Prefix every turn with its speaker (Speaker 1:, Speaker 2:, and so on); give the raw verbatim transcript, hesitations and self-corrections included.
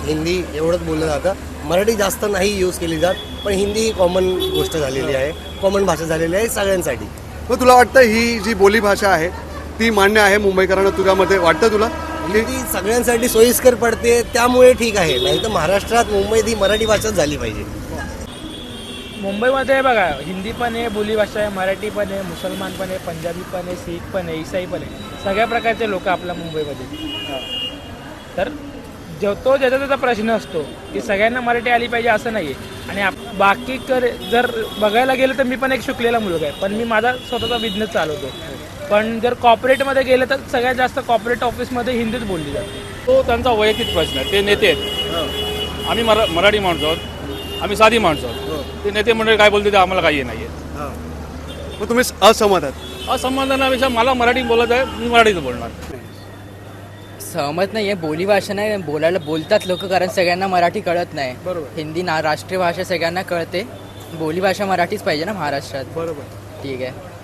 Speaker 1: हिंदी एवढंच बोललं जातं. मराठी जास्त नाही यूज केली जात, पण हिंदी ही कॉमन गोष्ट झालेली आहे, कॉमन भाषा झालेली आहे सगळ्यांसाठी.
Speaker 2: मग तुला वाटतं ही जी बोली भाषा आहे ती मान्य आहे मुंबईकरांना, तुझ्यामध्ये वाटतं तुला?
Speaker 1: हिंदी सगळ्यांसाठी सोयीस्कर पडते त्यामुळे ठीक आहे, नाही तर महाराष्ट्रात मुंबईत ही मराठी भाषाच झाली पाहिजे.
Speaker 3: मुंबईमध्ये बघा हिंदी पण आहे, बोलीभाषा आहे, मराठी पण आहे, मुसलमान पण आहे, पंजाबी पण आहे, शीख पण आहे, ईसाई पण आहे, सगळ्या प्रकारचे लोक आपल्या मुंबईमध्ये. तर जो तो ज्याचा त्याचा प्रश्न असतो की सगळ्यांना मराठी आली पाहिजे असं नाही आहे. आणि आप बाकी कर जर बघायला गेलं तर मी पण एक शिकलेला मुलगा आहे, पण मी माझा स्वतःचा बिझनेस चालवतो. पण जर कॉर्पोरेटमध्ये गेलं तर सगळ्यात जास्त कॉर्पोरेट ऑफिसमध्ये हिंदीच बोलली जाते.
Speaker 4: तो त्यांचा वैयक्तिक प्रश्न आहे. ते नेते आहेत, आम्ही मरा मराठी माणसं आहोत, आम्ही साधी माणसं आहोत. ते नेते मंडळी काय बोलते ते आम्हाला काही नाही आहे.
Speaker 2: मग तुम्ही असहमत आहात?
Speaker 4: असंबंधापेक्षा मला मराठी बोलत आहे, मी मराठीच बोलणार.
Speaker 5: सहमत नाही आहे. बोलीभाषा नाही बोलायला बोलतात लोक, कारण सगळ्यांना मराठी कळत नाही.
Speaker 3: बरोबर.
Speaker 5: हिंदी ना राष्ट्रीय भाषा सगळ्यांना कळते, बोलीभाषा मराठीच पाहिजे ना महाराष्ट्रात.
Speaker 3: बरोबर.
Speaker 5: ठीक आहे.